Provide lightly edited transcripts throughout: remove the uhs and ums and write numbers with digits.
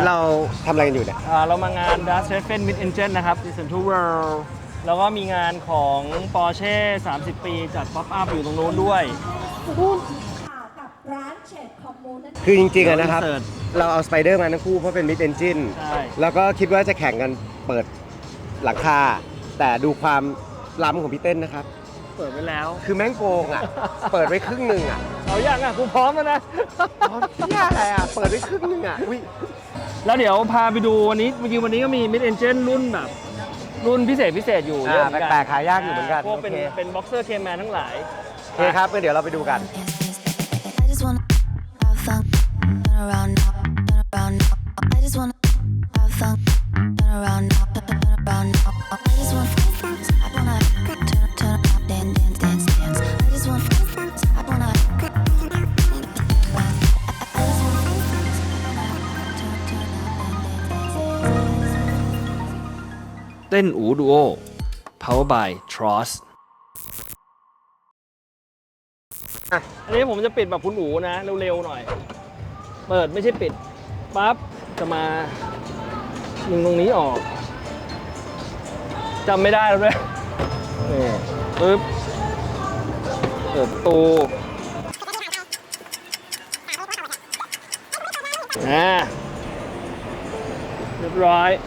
เราทำอะไรกันอยู่เนี่ยเรามางาน Dust Heaven Mid Engine นะครับ Listen to World แล้วก็มีงานของ Porsche 30 ปีจัด Pop Up อยู่ตรงนู้นด้วยกับร้านเชดคอมมูนคือจริงๆนะครับ Insert เราเอาสไปเดอร์มาทั้งคู่เพราะเป็นมิดเอนจินใช่แล้วก็คิดว่าจะแข่งกันเปิดหลังคา แต่ดูความล้ำของพี่เต้นนะครับเปิดไว้แล้วคือแม่งโกงอ่ะ เปิดไว้ครึ่งหนึ่งอ่ะเอาอย่างอ่ะกูพร้อมแล้วนะอ๋อเหี้ยอะไรอ่ะ เปิดไว้ครึ่งหนึ่งอ่ะอุ้ยแล้วเดี๋ยวพาไปดูวันนี้เมื่อกี้วันนี้ก็มี Mid Engine รุ่นแบบ รุ่นพิเศษอยู่เยอะเหมือนกันแปลกๆหายากอยู่เหมือนกันพวกเป็นโอเคเป็น Boxer Cayman ทั้งหลายโอเคครับงั้นเดี๋ยวเราไปดูกัน I just wanna have fun, turn around now, turn around now. I just wanna have fun, turn around now, turn around now. I just wanna, I wanna turn around, dance. I just wanna, I wanna, I just wanna, dance. เต้นอูดูโอ Power by Tross อันนี้ผมจะปิดแบบคุณอูนะ เร็วๆหน่อย เปิดไม่ใช่ปิด ปั๊บ จะมาดึงตรงนี้ออกจำไม่ได้แล้วด้วยนี่ปึ๊บเปิดประตูเรียบร้อย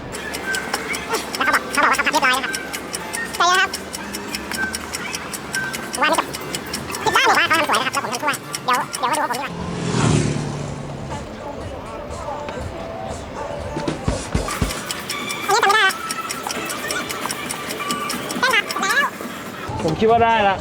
ผมคิดว่าได้ละ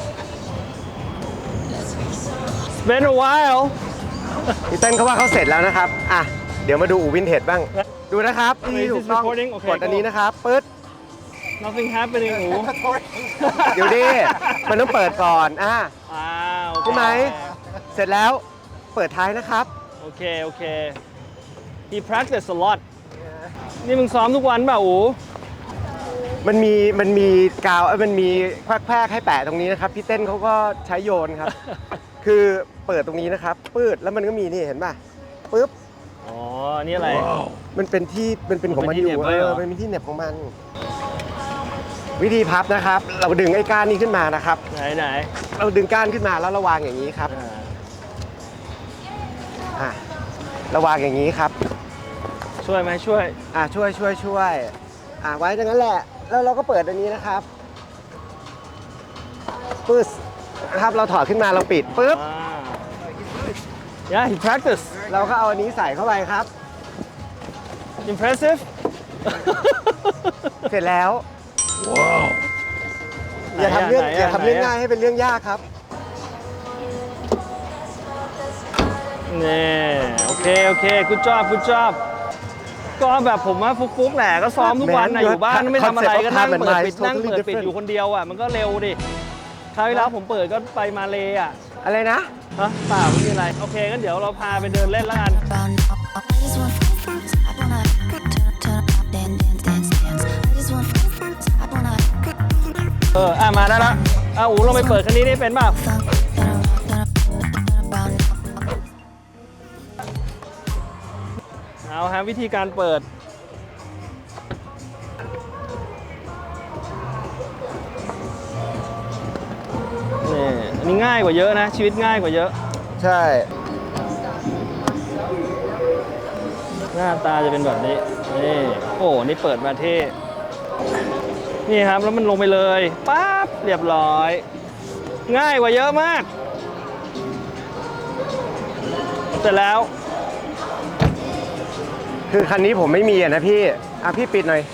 It's been a while พี่เต้นเขาว่าเขาเสร็จแล้วนะครับ อ่ะ เดี๋ยวมาดูอูวินเทจบ้าง ดูนะครับที่ถูกต้อง Okay, กดอันนี้นะครับปึ๊ด Nothing happening อูเดี๋ยวดิมันต้องเปิดก่อนโอเคใช่ไหม เสร็จแล้วเปิดท้ายนะครับโอเค He practice a lot นี่มึงซ้อมทุกวันเปล่าอูมันมีกาวมันมีแพรกให้แปะตรงนี้นะครับพี่เต้นเขาก็ใช้โยนครับ คือเปิดตรงนี้นะครับปืดแล้วมันก็มีนี่เห็นป่ะปึ๊บอ๋อ นี่อะไรมันเป็นของมันอยู่มันเป็นที่เหน็บไว้เหรอมันเป็นที่เหน็บของมัน วิธีพับนะครับ เราดึงไอ้ก้านนี้ขึ้นมานะครับไหนเราดึงก้านขึ้นมาแล้วเราวางอย่างนี้ครับเราวางอย่างนี้ครับช่วยไหมช่วยช่วยไว้ดังนั้นแหละแล้วเราก็เปิดอันนี้นะครับปึ๊บนะครับเราถอดขึ้นมาเราปิดปึ๊บ Yeah he practice เราก็เอาอันนี้ใส่เข้าไปครับ impressive เสร็จแล้วอย่าทำเรื่องง่ายให้เป็นเรื่องยากครับนี่โอเค good job ก็แบบผมว่าฟุกๆแหละก็ซ้อมทุกวันนะอยู่บ้านไม่ทำอะไรก็นั่งเปิดปิดอยู่คนเดียวอ่ะมันก็เร็วดิคราวที่แล้วผมเปิดก็ไปมาเลอ่ะอะไรนะเปล่าไม่มีอะไรโอเคงั้นเดี๋ยวเราพาไปเดินเล่นแล้วกัน Around now, I just wanna, I wanna turn around, dance. I just wanna, I wanna. มาได้ละอูลงไปเปิดคันนี้ได้เป็นเปล่าเอาฮะวิธีการเปิดนี่อันนี้ง่ายกว่าเยอะนะชีวิตง่ายกว่าเยอะใช่หน้าตาจะเป็นแบบนี้นี่โอ้นี่เปิดมาเท่นี่ครับแล้วมันลงไปเลยปั๊บเรียบร้อยง่ายกว่าเยอะมากเสร็จแล้วคือคันนี้ผมไม่มีนะพี่พี่ปิดหน่อย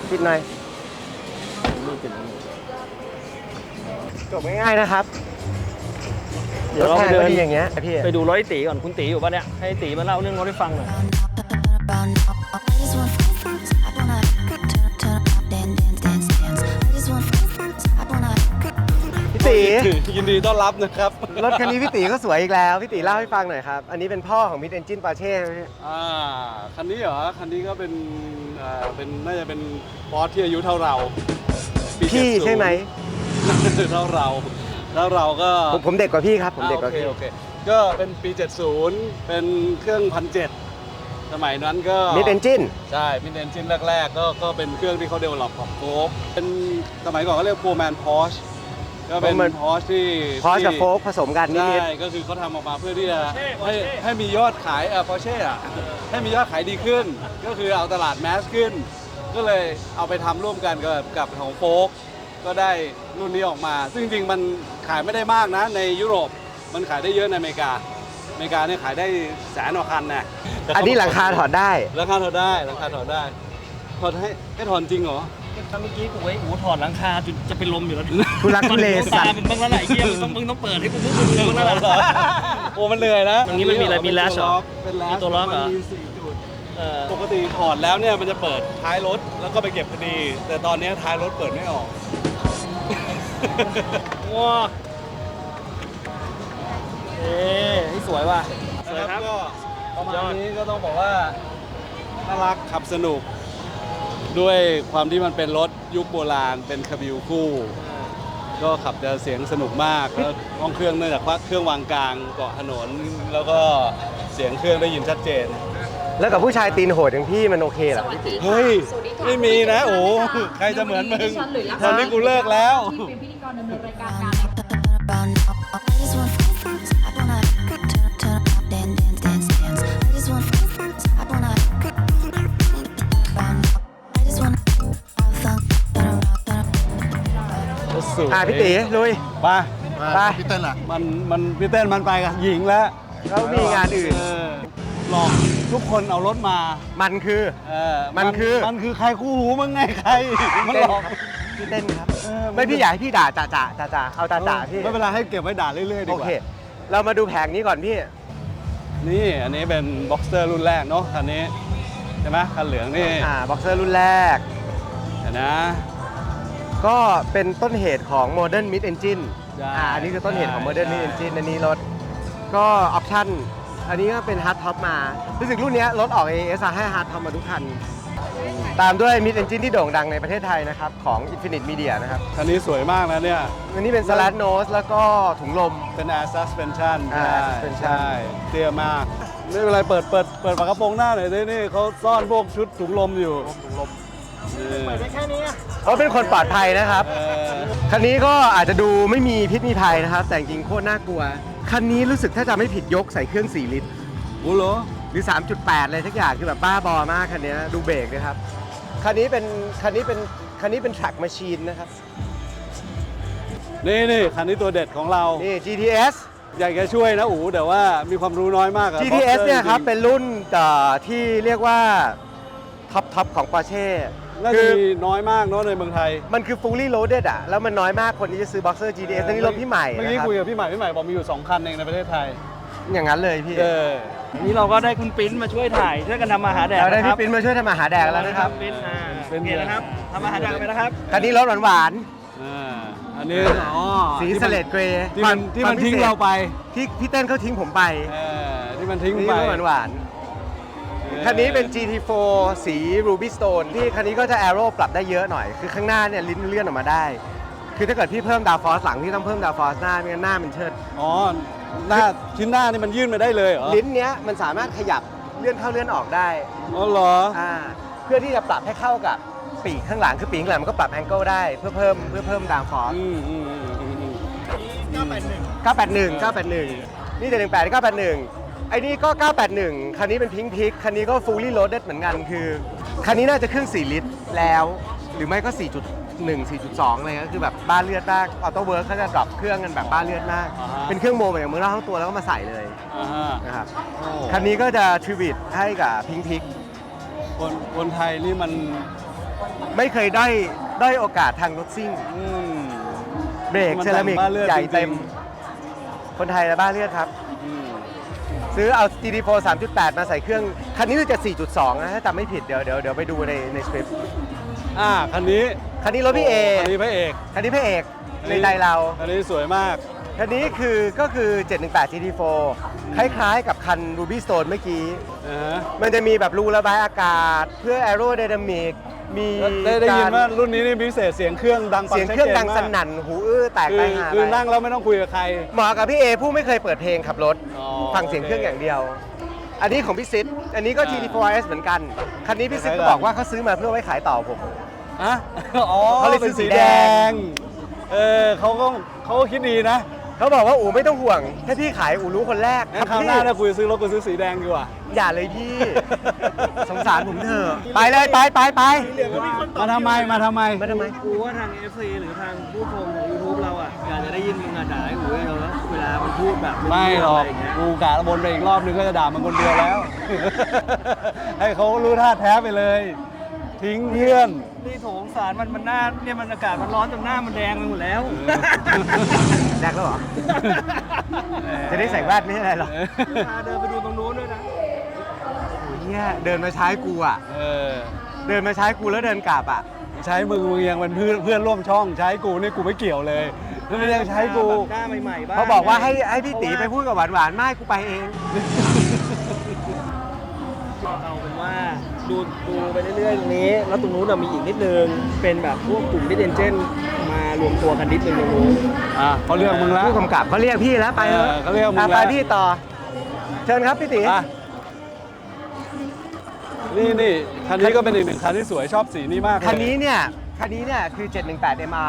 จบง่ายๆนะครับเดี๋ยวเราไปเดินอย่างเงี้ยพี่ไปดูรถไอ้ตีก่อนคุณตีอยู่ปะเนี่ยให้ตีมาเล่าเรื่องรถให้ฟังหน่อย Around now, I just wanna, I wanna turn around, dance. I just wanna, I wanna. พี่ตียินดีต้อนรับนะครับรถคันนี้พี่ตีก็สวยอีกแล้วพี่ตีเล่าให้ฟังหน่อยครับอันนี้เป็นพ่อของมิดเอนจินปาเช่ไหมคันนี้เหรอ คันนี้ก็เป็นน่าจะเป็นบอสที่อายุเท่าเราปีพี่ 70 ใช่ไหมเท่าเรา แล้วเราก็ผมเด็กกว่าพี่ครับผมเด็กกว่าพี่โอเคก็เป็นปี 70 เป็นเครื่อง1,700 สมัยนั้นก็มิดเอนจินใช่มิดเอนจินแรกๆก็เป็นเครื่องที่เขาเดเวลลอปกับโฟล์กเป็นสมัยก่อนก็เรียกโฟร์แมนพอชก็เป็น Foreman พอชที่พอสกับโฟกผสมกันนิใช่ดก็คือเขาทำออกมาเพื่อที่จะให้มียอดขายพอเช่อะให้มียอดขายดีขึ้น ก็คือเอาตลาดแมสขึ้น ก็เลยเอาไปทำร่วมกันกับของโฟล์กก็ได้รุ่นนี้ออกมา ซึ่งจริงๆมันขายไม่ได้มากนะในยุโรปมันขายได้เยอะในอเมริกาเนี่ยขายได้แสนกว่าคันนะๆอันนี้หลังคาถอดได้ราคาถอดได้ถอดให้ถอนจริงเหรอเมื่อกี้กูไว้หูถอดหลังคาจนจะเป็นลมอยู่แล้วทุลักทุเลมันสัตาตว์มึงบ้างแล้วแหละไอ้เหี้ยมึงต้องเปิดให้กูมึงบ้างแล้วแหละโอ้มันเหนื่อยนะตรงนี้มันมีอะไรมี latch เหรอเป็นแลชมีตัวล็อกเหรอมันมี4 จุดปกติถอดแล้วเนี่ยมันจะเปิดท้ายรถแล้วก็ไปเก็บพอดี แต่ตอนนี้ท้ายรถเปิดไม่ออกว้าเอ๊ะนี่สวยว่ะสวยครับก็ประมาณนี้ก็ต้องบอกว่าน่ารักขับสนุก ด้วยความที่มันเป็นรถยุคโบราณเป็นคาบิวคู่ ก็ขับจะเสียงสนุกมากแล้วห้องเครื่องเนื่องจากว่าเครื่องวางกลางเกาะถนน แล้วก็เสียงเครื่องได้ยินชัดเจนแล้วกับผู้ชายตีนโหดอย่างพี่มันโอเคเหรอพี่ตีเฮ้ย ไม่มีนะโอ้ใครจะเหมือนมึงตอนนี้กูเลิกแล้วที่เป็นพิธีกรดำเนินรายการ Turn around now. I just want I wanna turn around, dance, dance, dance, dance. I just want I wanna around now. I just wanna have fun. Turn around, turn around. พี่ตีลุยไปไปพี่เต้นล่ะมันพี่เต้นมันไปกับหญิงแล้วแล้วมีงานอื่นหลอกทุกคนเอารถมามันคือ มันคือมันคือใครคู่หูมึงไงใครมันหลอกพี่เต้นครับเออไม่พี่อยากให้พี่ด่าจ่าเอาจ่าพี่ไม่เป็นไรให้เก็บไว้ด่าเรื่อยๆดีโอกว่าเค เรามาดูแผงนี้ก่อนพี่นี่อันนี้เป็นบ็อกเซอร์รุ่นแรกเนาะคันนี้ใช่ไหมคันเหลืองนี่บ็อกเซอร์รุ่นแรกเห็นนะก็เป็นต้นเหตุของ Modern Mid Engine ใช่อันนี้คือต้นเหตุของ Modern ใช่ Mid Engine อันนี้รถ ก็ออปชั่น อันนี้ก็เป็น Hard Top มารู้สึกรุ่นนี้รถออก AS ให้ Hard Top มาทุกคัน ตามด้วย Mid Engine ที่โด่งดังในประเทศไทยนะครับ ของ Infinite Media นะครับคันนี้สวยมากนะเนี่ยอันนี้เป็น Slat Nose แล้วก็ถุงลมเป็น Air Suspension Air Suspension ใช่เตี้ยมากไม่เป็นไรเปิดฝากระโปรงหน้าหน่อยดินี่เขาซ่อนพวกชุดถุงลมอยู่ถุงลมเขาเป็นคนปลอดภัยนะครับเออคันนี้ก็อาจจะดูไม่มีพิษมีภัยนะครับ แต่จริงๆโคตรน่ากลัว คันนี้รู้สึกถ้าจะไม่ผิดยกใส่เครื่อง4 ลิตรโอ้โหหรือ 3.8 เลยทุกอย่างคือแบบบ้าบอมากคันนี้ดูเบรกนะครับ คันนี้เป็น track machine นะครับนี่คันนี้ตัวเด็ดของเรานี่ GTS อยากจะช่วยนะอู๋แต่ว่ามีความรู้น้อยมากอะ GTS เนี่ยครับจงๆเป็นรุ่นที่เรียกว่าท็อปของ Porsche น่าคืจะอมีน้อยมากเนาะในเมืองไทยมันคือ fully loaded อ่ะ แล้วมันน้อยมากคนที่จะซื้อ Boxer GTS นี่รถพี่ใหม่เมื่อนะกี้ครับคุยกับพี่ใหม่บอกมีอยู่ 2 คันเองในประเทศไทยอย่างนั้นเลยพี่วันนี้เราก็ได้คุณปิ้นมาช่วยถ่ายช่วยกันทำมาหาแดกเราได้นะคพี่รับปิ้นมาช่วยทำอาหารแดกแล้วนะครับปิ้นปิ้นโอเคนะครับทำอาหารแดกไปนะครับคันนี้รถหวานอันนี้อ๋อๆสีสเลดเกรย์ที่มันทิ้งเราไปที่พี่เต้นเขาทิ้งผมไปที่มันทิ้งนี่ไปรถหวานๆคันนี้เป็น GT4 สี Ruby Stone ที่คันนี้ก็จะ Aero ปรับได้เยอะหน่อย คือข้างหน้าเนี่ยลิ้นเลื่อนออกมาได้ คือถ้าเกิดพี่เพิ่มดาวฟอสหลังพี่ต้องเพิ่มดาวฟอสหน้าไม่งั้นหน้ามันเชิดอ๋อหน้าชิ้นหน้านี่มันยื่นมาได้เลยเหรอลิ้นเนี้ยมันสามารถขยับเลื่อนเข้าเลื่อนออกได้อ๋อเหรอเพื่อที่จะปรับให้เข้ากับปีกข้างหลังคือปีกข้างหลังมันก็ปรับแองเกิลได้เพื่อเพิ่มดาวฟอส 981 นี่718 981 ไอ้นี่ก็ 981 คันนี้เป็นพิงพิกคันนี้ก็ fully loaded เหมือนกันคือ คันนี้น่าจะเครื่อง 4 ลิตรแล้ว หรือไม่ก็ 4.1 4.2 อะไรก็คือแบบบ้าเลือดมากออโต้เวิร์คเขาจะดรอปเครื่องกันแบบบ้าเลือดมาก เป็นเครื่องโมเหมือนอย่างมือเราทั้งตัวแล้วก็มาใส่เลยนะครับ คันนี้ก็จะทริบิทให้กับพิงพิกคนไทยนี่มันไม่เคยได้โอกาสทางรถซิ่ง เบรกมันเซรามิกบ้าเลือดใหญ่จริงๆเต็ม คนไทยและบ้าเลือดครับ ซื้อเอา GT4 3.8 มาใส่เครื่อง คันนี้คือจะ 4.2 นะถ้าจำไม่ผิดเดี๋ยวไปดูในสคริปต์คันนี้คันนี้รถพี่เอคันนี้พระเอกคันนี้พระเอกในใจเราคันนี้สวยมากคันนี้ก็คือ 718 GT4 คล้ายๆกับคัน Ruby Stone เมื่อกี้ มันจะมีแบบรูระบายอากาศเพื่อ Aerodynamic มีได้ยินการว่ารุ่นนี้นี่พิเศษเสียงเครื่องดังฟังเสียงเครื่องดังชัสจมากนั่นหูอื้อแตกไปหาคือไปนั่งแล้วไม่ต้องคุยกับใครเหมาะกับพี่เอผู้ไม่เคยเปิดเพลงขับรถอ๋อฟังเสียงเครื่องอย่างเดียวอันนี้ของพี่ซิดอันนี้ก็ GT4RS เหมือนกัน คันนี้พี่ซิดก็บอกว่าเขาซื้อมาเพื่อไว้ขายต่อผมอะอ๋อเขาเลยซื้เป็นอสีสีแดแดงงเขาก็คิดดีนะเขาบอกว่าอู๋ไม่ต้องห่วง ถ้าพี่ขายอู๋รู้คนแรกงั้นคราวหน้าถ้าคุยซื้อรถกูซื้อสีแดงดีกว่าอย่าเลยพี่ สงสารผมเถอะ ไปเลยไปไปไปมาทำไมมาทำไมกูว่าทาง FC หรือทางผู้ชมของ YouTube เราอ่ะอยากจะได้ยินมึงด่าไอ้หูเราแล้วเวลามันพูดแบบไม่หรอกะไย่างเงี้ยกูกะบนไปอีกรอบนึงก็จะด่ามันคนเดียวแล้ว ให้เขารู้ท่าแท้ไปเลย ทิ้งเพื่อนนี่โถงสารมันหน้าเนี่ยมันอากาศมันร้อนจนหน้ามันแดงไปหมดแล้วแรกแล้วเหรอ จะได้ใส่แว่นไม่ใช่อะไรหรอกพาเดินไปดูตรงนู้นด้วยนะโอ้ยเนี่ยเดินมาใช้กูอ่ะเออเดินมาใช้กูแล้วเดินกลับอ่ะใช้มึงยังเป็นเพื่อนร่วมช่องใช้กูนี่กูไม่เกี่ยวเลยไม่ได้ใช้กูหน้าใหม่ๆบ้างเขาบอกว่าให้พี่ตีไปพูดกับหวานๆไม่กูไปเองเอาเป็นว่าดูไปเรื่อยๆตรงนี้ แล้วตรงนู้นมีอีกนิดนึง เป็นแบบพวกกลุ่มดิเดนเจนมารวมตัวกันนิดนึงตรงนู้นเขาเลือกมึงแล้วผู้กำกับเขาเรียกพี่แล้วไปเถอะเขาเรียกมึงอ่ะแล้วไปพี่ต่อ เชิญครับพี่ตีอ่ะนี่คันนี้ก็เป็นอีกหนึ่งคันที่สวยชอบสีนี้มากเลยคันนี้เนี่ยคือ 718 MR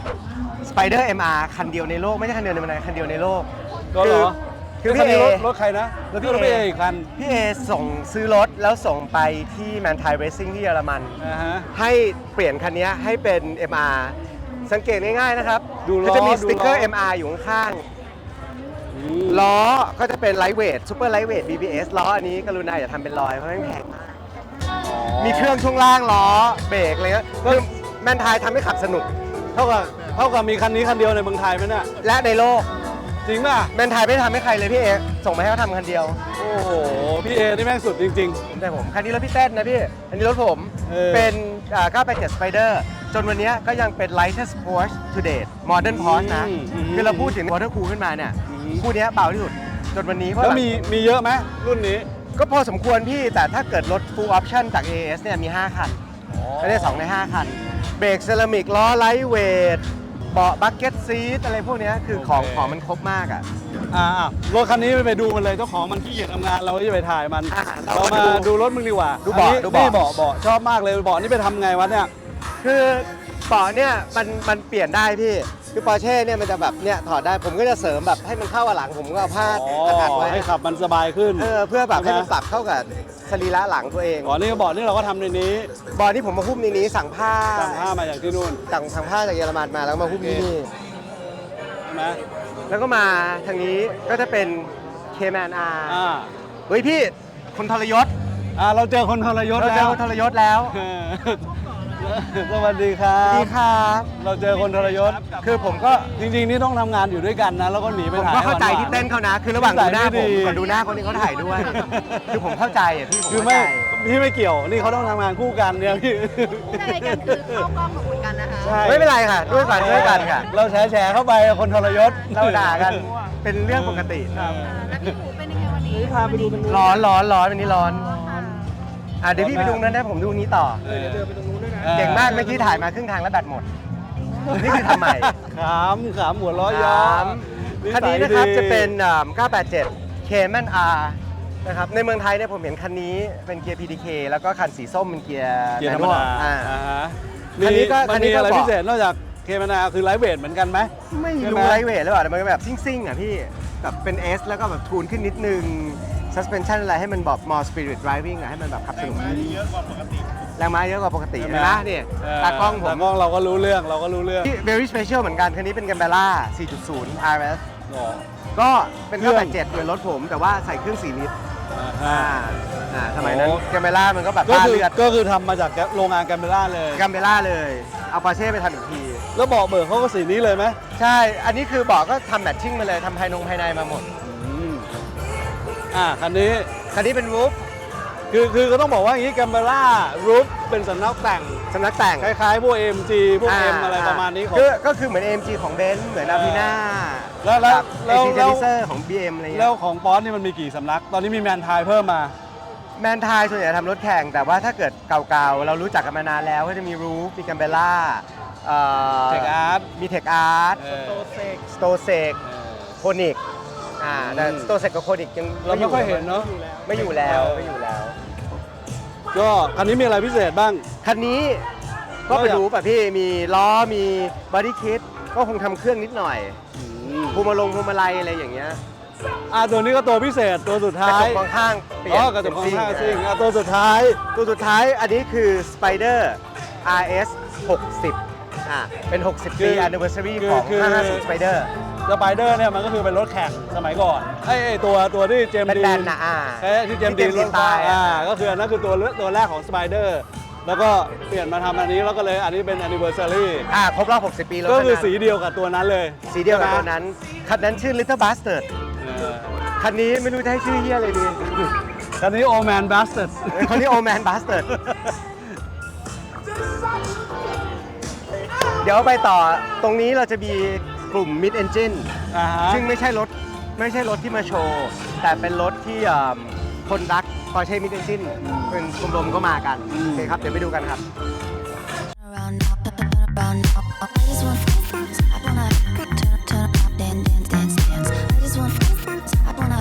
Spider MR คันเดียวในโลกไม่ใช่คันเดียวในเมืองไทยคันเดียวในโลกก็เหรอคือคันพี่เอนี้รถใครนะรถพี่รถเอพี่เออีกคันพี่เอส่งซื้อรถแล้วส่งไปที่แมนไทเรซิ่งที่เยอรมันนะฮะให้เปลี่ยนคันนี้ให้เป็น MR สังเกตง่ายๆนะครับดูล้อก็จะมีสติ๊กเกอร์ดูล้อ MR อยู่ข้างๆล้อก็จะเป็นไลท์เวทซูเปอร์ไลท์เวท BBS ล้ออันนี้กรุณาอย่าทำเป็นรอยเพราะไม่แพงมากมีเครื่องช่วงล่างล้อเบรกอะไรเงี้ยคือแมนไทยทำให้ขับสนุกเท่ากับมีคันนี้คันเดียวในเมืองไทยไหมเนี่ยและในโลกจริงป่ะแมนไทยไม่ทำให้ใครเลยพี่เอส่งมาให้เขาทำคันเดียวโอ้โหพี่เอนี่แม่งสุดจริงแต่ผมคันนี้รถพี่เต้นนะพี่ อันนี้รถผม เป็น 987 Spider จนวันนี้ก็ยังเป็น lightest Porsche to date modern Porsche นะ คือเราพูดถึง water cool ขึ้นมาเนี่ย คู่เนี้ยเบาที่สุด จนวันนี้เพๆราะแล้วแบบมีเยอะไหมรุ่นนี้ก็พอสมควรพี่ แต่ถ้าเกิดรถ full option จาก AAS เนี่ยมี 5 คันไม่ได้2ใน 5 คัน เบรกเซรามิกล้อ lightweight เบาะ bucket seat อะไรพวกเนี้ยคือของโอเคของมันครบมากอ่ะรถคันนี้ไปดูมันเลยเจ้าของมันขี้เกียจทำงานเราจะไปถ่ายมันอ่ะเราเรามามาดูดูรถมึงดีกว่าดูเบาะอันนี้ดูเบาะนี่เบาะชอบมากเลยเบาะนี่ไปทำไงวะเนี่ยคือเบาะเนี่ยมันเปลี่ยนได้พี่ คือปอร์เช่เนี่ยมันจะแบบเนี่ยถอดได้ผมก็จะเสริมแบบให้มันเข้ากับหลังผมก็เอาผ้าอัดไว้ให้ขับมันสบายขึ้นเพื่อแบบให้มันใช่ไหมปรับเข้ากับสรีระหลังตัวเองนี่เบาะนี่เราก็ทำในนี้บอลที่ผมมาหุ้มในนี้สั่งผ้าสั่งผ้ามาจากที่นู่นสั่งผ้าจากเยอรมันมาแล้วมาหุ้มที่นี่ใช่ไหมแล้วก็มาทางนี้ก็จะเป็น Cayman R เฮ้ยพี่คนทรยศเราเจอคนทรยศเราเจแล้อวคนทรยศแล้วสวัสดีครัดีบครับเราเจอคนทรยศคือผมก็จริงๆ นี่ต้องทำงานอยู่ด้วยกันนะ แล้วก็หนีไปผมถ่ายก็เข้าใจหวๆที่เต้นเขานะ คือระหว่างดูหน้านิสัยผมไม่ดีกับดูหน้าคนที่เขาถ่ายด้วย คือผมเข้าใจอ่ะพี่ผมคือเข้าไม่ใจพี่ไม่เกี่ยว นี่เขาต้องทำงานคู่กันเนี่ยพี่ในรายการคือเข้ากล้องเหมือนกันนะคะใช่ไม่เป็นไรค่ะ ด้วยกันค่ะเราแฉเข้าไปคนทรยศเราด่ากันเป็นเรื่องปกติแล้วพี่หมูเป็นยังไงวันนี้พาไปดูตรงนู้นร้อนวันนี้ร้อนเดี๋ยวพี่ไปดูนั้นนะผมดูนี้ต่อเดี๋ยวเดินไปตรงนู้นด้วยนะเก่งมากเมื่อกี้ถ่ายมาครึ่งทางแล้วแบตหมด นี่คือทำใหม่ขามหัวล้อย้อมคันนี้นะครับสัยดีจะเป็น 987 Cayman R นะครับ ในเมืองไทยเนี่ยผมเห็นคันนี้เป็นเกียร์ PDK แล้วก็คันสีส้มเป็นเกียร์เกียร์ธรรมดาอ่าอ่าฮะคันนี้ก็มันมีอะไรบอกพิเศษนอกจากเคมานาคือไลท์เวทเหมือนกันไหมไม่ใช่รู้ไหมไลท์เวทหรือเปล่าแต่มันก็แบบซิ่งๆอ่ะพี่แบบเป็น S แล้วก็แบบทูนขึ้นนิดนึง suspension อะไรให้มันแบบ more spirit driving อ่ะให้มันแบบขับสนุกแรงม้าเยอะกว่าปกติใช่ไหมนะเนี่ยตากล้องผมตากล้องเราก็รู้เรื่องที่ very special เหมือนกัน คันนี้เป็น Gambella 4.0 RS อ๋อก็เป็นเครื่อง 987เหมือนรถผม แต่ว่าใส่เครื่อง4ลิตรอ่าสมัยนั้นโอ้ Gambella มันก็แบบก็บ้าคือเลือดก็คือทำมาจากโรงงานแกมเบล่าเลย Gambella เลย เอาปอร์เช่ไปทำอีกทีแล้วเบาะเบิกเขาก็สีนี้เลยไหมใช่ อันนี้คือบอกก็ทำแมทชิ่งมาเลยทำภายในมาหมดคันนี้คันนี้เป็นวูฟคือก็ต้องบอกว่าอย่างนี้แกมเบล่ารูฟเป็นสัญลักษณ์แต่งสำนักแต่งคล้ายๆพวก AMG พวก M อะไรประมาณนี้ของก็คือเหมือน AMG ของเบนซ์เหมือนอาพีน่าแล้วเอซีเจนิเซอร์ของ BM อะไรเงี้ยแล้วของป๊อสนี่มันมีกี่สำนัก ตอนนี้มีแมนไทยเพิ่มมาแมนไทยส่วนใหญ่ทำรถแข่ง แต่ว่าถ้าเกิดเก่าๆ เรารู้จักกันมานานแล้ว ก็จะมีรูฟมีกัมเบล่า Tech Art มีเทคอาร์ตโตเซกสโตเซกโคนิกแต่ตัวเซตกับโคนิกยังเราไม่ค่อยเห็นเนาะไม่อยู่แล้วก็คันนี้มีอะไรพิเศษบ้างคันนี้ก็ไปดูป่ะพี่มีล้อมีบอดี้คิดก็คงทำเครื่องนิดหน่อยพวงมาลัยอะไรอย่างเงี้ยตัวนี้ก็ตัวพิเศษตัวสุดกระท้าจยกมองข้างเปลี่ยนกระจกมองข้างเป็นซิ่งตัวสุดท้ายตัวสุดท้ายอันนี้คือ Spider RS 60เป็น 60 ปี anniversary ของ 550 Spider สไปเดอร์เนี่ยมันก็คือเป็นรถแข่งสมัยก่อนไอ้ตัวที่เจมส์ดีแบนๆนะที่เจมส์ดีรถตายก็คืออันนั้นคือตัวแรกของสไปเดอร์แล้วก็เปลี่ยนมาทำอันนี้แล้วก็เลยอันนี้เป็น anniversary ครบรอบ 60 ปีแล้วก็คือสีเดียวกับตัวนั้นเลยสีเดียวกับตัวนั้นคันนั้นชื่อ Little Bastard คันนี้ไม่รู้จะให้ชื่อเฮียอะไรดีคันนี้ Old Man Bastard คันนี้ Old Man Bastard เดี๋ยวไปต่อตรงนี้เราจะมีกลุ่ม Mid Engine ซึ่งไม่ใช่รถที่มาโชว์ แต่เป็นรถที่คนรัก Porsche Mid Engine เป็นชมรมก็มากันโอเคครับ เดี๋ยวไปดูกันครับ Turn around now, turn around now. I just want I wanna turn around, dance. I just want I wanna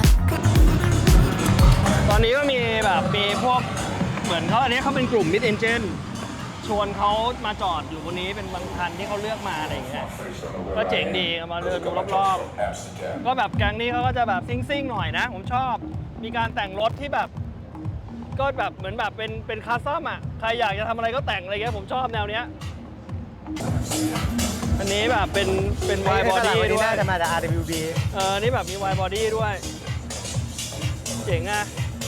ตอนนี้ก็มีแบบมีพวกเหมือนเขาอันนี้เขาเป็นกลุ่ม Mid Engine ชวนเขามาจอดอยู่บนนี้เป็นบางคันที่เขาเลือกมาอะไรอย่างเงี้ยก็เจ๋งดีเอามาเดินดูรอบๆก็แบบแก๊งนี้เขาก็จะแบบซิ่งๆหน่อยนะผมชอบมีการแต่งรถที่แบบก็แบบเหมือนแบบเป็นคาซ่อมอ่ะใครอยากจะทำอะไรก็แต่งอะไรเงี้ยผมชอบแนวเนี้ยอันนี้แบบเป็นวายบอดี้ด้วยน่าจะมาจาก RWB นี่แบบมีวายบอดี้ด้วยเจ๋งอ่ะ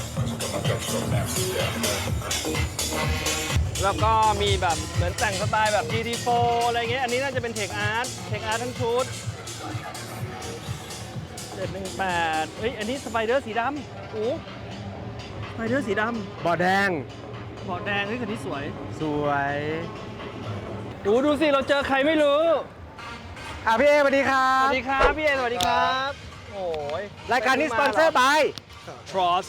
แล้วก็มีแบบเหมือนแต่งสไตล์แบบ GT4 อะไรเงี้ยอันนี้น่าจะเป็นเทคอาร์ตทั้งชุด718เฮ้ยอันนี้สไปเดอร์สีดำโอ้สไปเดอร์สีดำบอดแดงเบาะแดงเฮ้ยคันนี้สวยสวยดูสิเราเจอใครไม่รู้พี่เอสวัสดีครัสบวัสดีครับพี่เอสวัสดีครับโอ้ยรายการนี้สปอนเซอร์ by Tross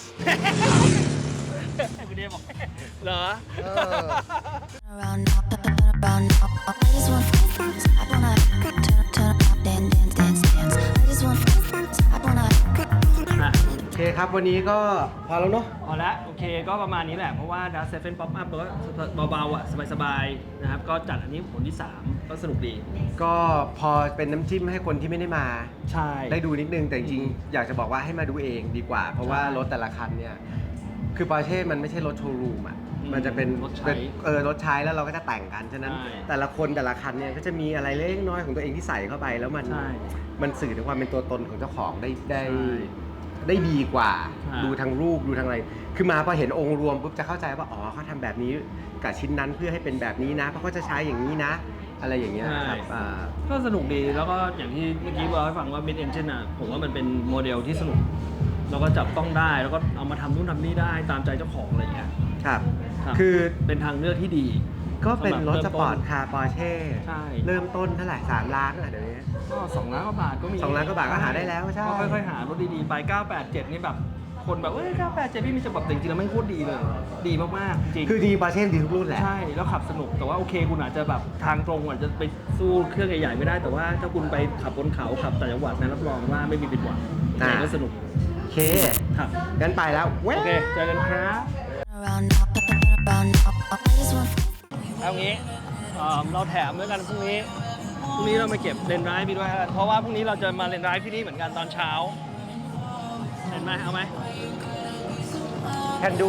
คุณเดบอกเหรอ turn around now, turn around now. I just want I wanna turn around, dance. I just want I wanna โอเคครับวันนี้ก็พอแล้วเนาะพอละโอเคก็ประมาณนี้แหละ เพราะว่า Dust 7 Pop Up ก็เบาๆอ่ะสบายๆนะครับก็จัดอันนี้ผลที่ 3 ก็สนุกดีก็พอเป็นน้ำจิ้มให้คนที่ไม่ได้มาใช่ได้ดูนิดนึงแต่จริงๆอยากจะบอกว่าให้มาดูเองดีกว่า เพราะว่ารถแต่ละคันเนี่ยคือปอร์เช่มันไม่ใช่รถโชว์รูมอ่ะมันจะเป็นรถใช้แล้วเราก็จะแต่งกันฉะนั้นแต่ละคนแต่ละคันเนี่ยก็จะมีอะไรเล็กน้อยของตัวเองที่ใส่เข้าไปแล้วมันสื่อถึงความเป็นตัวตนของเจ้าของได้ดีกว่าดูทางรูปดูทางอะไร คือมาพอเห็นองค์รวมปุ๊บจะเข้าใจว่าอ๋อเขาทำแบบนี้กับชิ้นนั้นเพื่อให้เป็นแบบนี้นะเพราะเขาจะใช้อย่างนี้นะ อะไรอย่างเงี้ยครับก็สนุกดีแล้วก็อย่างที่เมื่อกี้บอกให้ฟังว่า Mid Engine อ่ะผมว่ามันเป็นโมเดลที่สนุกแล้วก็จับต้องได้แล้วก็เอามาทำนู่นทำนี่ได้ตามใจเจ้าของอะไรอย่างเงี้ยครับครับคือเป็นทางเลือกที่ดีก็เป็นรถสำหสรับปอร์ตคาร์ปอร์เช่ใช่เริ่มต้นเท่าไหร่3 ล้านอ่ะเดี๋ยวนี้ก็2 ล้านกว่าบาทก็มี 2 ล้านกว่าบาทก็หาได้แล้วใช่ก็ค่อยๆหารถดีๆไป 987 นี่แบบคนแบบ987 พี่มีฉบับแต่จริงๆแล้วไม่งโคตรดีเลย ดีมากๆจริงคือดีปอร์เช่ดีทุกรุ่นแหละใช่แล้วขับสนุกแต่ว่าโอเคคุณอาจจะแบบทางตรงอาจจะไปสู้เครื่องใหญ่ๆไม่ได้แต่ว่าถ้าคุณไปขับบนเขาขับต่างจังหวัดนะรับรองว่าไม่มีผิดหวังแต่ก็สนุกโอเคครับงั้นไปแล้วโอเคเจอกันครับ turn around now, turn around now. I just want เอางี้เราแถมด้วยกันพรุ่งนี้เรามาเก็บเลนส์ไดรฟ์พี่ด้วยครับเพราะว่าพรุ่งนี้เราจะมาเลนส์ไดรฟ์ที่นี่เหมือนกันตอนเช้าเห็นไหมเอาไหม can do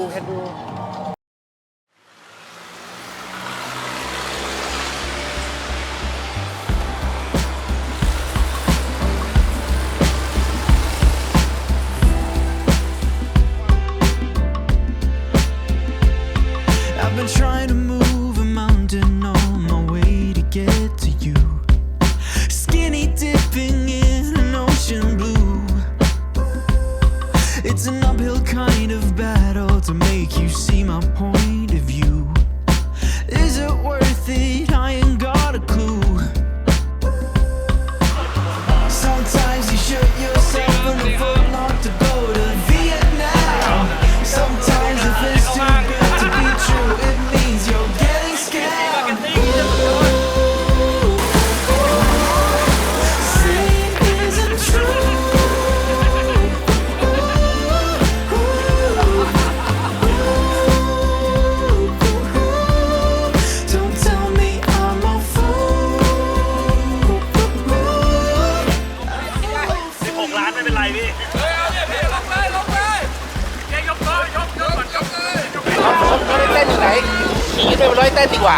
I've been trying to move a mountain on my way to get to you. Skinny dipping in an ocean blue. It's an uphill kind of battle to make you see my point of view. Is it worth it? I ain't got a clue. Sometimes you shut yourself in the footlock to go to Vietnam. Sometimes if it's too good to be true, it means you're getting scammed. Saying isn't true. ยืดไปร้อยเต้นดีกว่า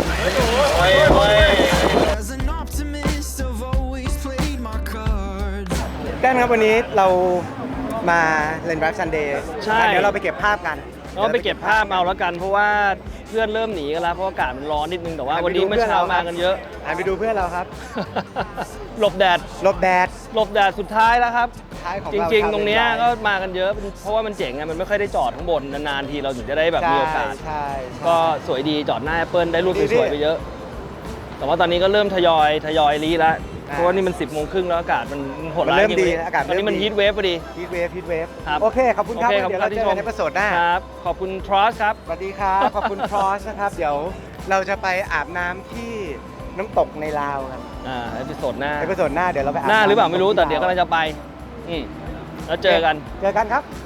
As an optimist, I've always played my cards. แก้มครับวันนี้เรามาเล่น Drive Sunday ใช่เดี๋ยวเราไปเก็บภาพกันก็ไปเก็บภาพเอาแล้วกันเพราะว่าเพื่อนเริ่มหนีกันแล้วเพราะอากาศมันร้อนนิดนึงแต่ว่าวันนี้เมื่อเช้ามากันเยอะไปดูเพื่อนเราครับหลบแดดหลบแดดหลบแดดสุดท้ายแล้วครับท้ายของจเราริงคบๆ ตรงเนี้ยเป็นก็มากันเยอะเพราะว่ามันเจ๋งไงมันไม่ค่อยได้จอดข้างบนนานๆทีเราถึงจะได้แบบมีโอกาสใช่ก็สวยดีจอดหน้า Apple ได้รูปสวยๆไปเยอะ แต่ว่าตอนนี้ก็เริ่มทยอยรีแล้วเพราะว่านี่มัน 10 โมงครึ่งแล้วอากาศมันโหดมันร้ายเริ่มจริงดีเลยนะอากาศตอนนี้มันเริ่มดีฮีทเวฟพอดีฮีทเวฟฮีทเวฟครับโอเค ขอบคุณครับโอเคเดี๋ยวเราเจอกันในเอพิโซดหน้าครับ ขอบคุณทรอสครับสวัสดีครับ ขอบคุณครอสนะครับ เดี๋ยวเราจะไปอาบน้ำที่น้ำตกในลาวกันเอพิโซดหน้าเอพิโซดหน้าเดี๋ยวเราไปอาบหน้าน้ำหรือเปล่าไม่รู้แต่ที่เดี๋ยวกำลังจะไปแล้วเจอกันเจอกันครับ